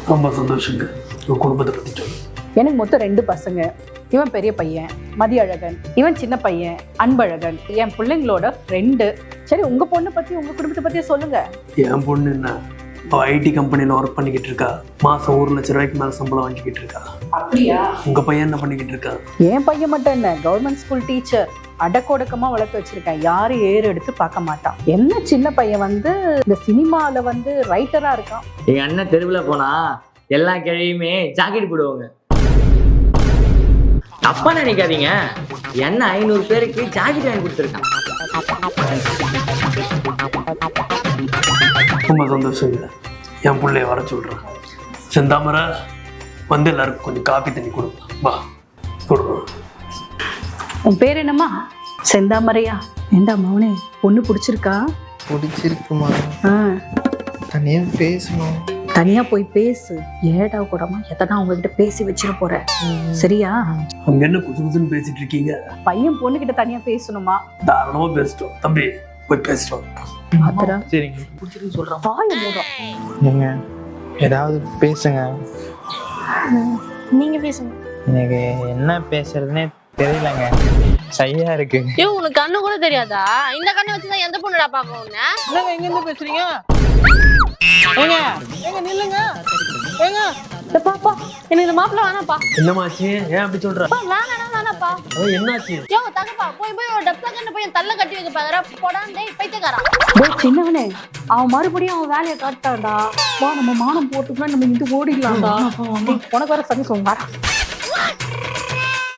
ரொம்ப சந்தோஷங்க. உங்கள் குடும்பத்தை பற்றி சொல்லு. எனக்கு மொத்தம் 2 பசங்க. இவன் பெரிய பையன் மதியழகன், இவன் சின்ன பையன் அன்பழகன், என் பிள்ளைங்களோட ஃப்ரெண்டு. சரி, உங்க பொண்ணை பத்தி உங்க குடும்பத்தை பத்தியே சொல்லுங்க. என் பொண்ணு என்ன, ஐடி கம்பெனியில் ஒர்க் பண்ணிக்கிட்டு இருக்கா. மாதம் 1 லட்ச ரூபாய்க்கு மேலே சம்பளம் வாங்கிக்கிட்டு இருக்கா. அப்படியா? உங்கள் பையன் என்ன பண்ணிக்கிட்டு இருக்கா? என் பையன் மட்டும் என்ன, கவர்மெண்ட் ஸ்கூல் டீச்சர். அடக்கொடக்கமா வளர்த்து வச்சிருக்கேன். யாரும் ஏறு எடுத்து பார்க்க மாட்டான். என்ன சின்ன பையன் இந்த சினிமால ரைட்டரா இருக்கான். எங்க அண்ணன் தெருவுல போனா எல்லா கிழமையுமே ஜாக்கெட் போடுவாங்க. தப்பா நினைக்காதீங்க, என்ன 500 பேருக்கு ஜாக்கெட் வாங்கி கொடுத்துருக்கான். ரொம்ப சந்தோஷங்க. என் பிள்ளைய வர சொல்கிறேன். செந்தாமரை வந்து எல்லாருக்கும் கொஞ்சம் காப்பி தண்ணி கொடுங்க. வா கொடுங்க. உன் பேர் என்னம்மா? செந்தாமரையா? ஏண்டா மௌனே, பொண்ணு பிடிச்சிருக்கா? பிடிச்சிருக்குமா? தனியா பேசணும். தனியா போய் பேசு. ஏடா கூடமா எதனா உங்ககிட்ட பேசி வச்சிட போற. சரியா? அங்க என்ன குசு குசுன்னு பேசிட்டு இருக்கீங்க? பையன் பொண்ணு கிட்ட தனியா பேசணுமா? தாராளமா பேசிட்டோம் தம்பி, போய் பேசிட்டோம். ஆத்தரா சரிங்க. பிடிச்சிருக்குன்னு சொல்றான். வாய மூடும். நீங்க ஏதாவது பேசுங்க. நீங்க பேசுங்க. எனக்கு என்ன பேசுறதுன்னே தெரியலங்க, சையா இருக்கு. ஐயோ, உனக்கு கண்ணு கூட தெரியாதா? இந்த கண்ணை வச்சுதான் எந்த பொண்ணுடா பாக்க உன்ன? என்னங்க எங்க இருந்து பேசுறீங்க? ஏங்க ஏங்க நில்லுங்க. ஏங்க பாப்பா, எனக்கு இந்த மாப்பிள்ள வேணாப்பா. என்னமாச்சு? ஏன் அப்படி சொல்ற? வேணாப்பா. என்னாச்சு? யோ தகப்பா, போய் ஒரு டப்ஸா கண்ணு போய் தள்ள கட்டி வைக்க பாக்குற. போடான் டேய் பைத்தியக்காரா. டேய் சின்னவனே, அவன் மறுபடியும் அவன் வேலையை காட்டான்டா. வா, நம்ம மானம் போட்டுக்கலாம், நம்ம இந்து ஓடிடலாம்டா. உனக்கு வர சரி சொல்லுங்க.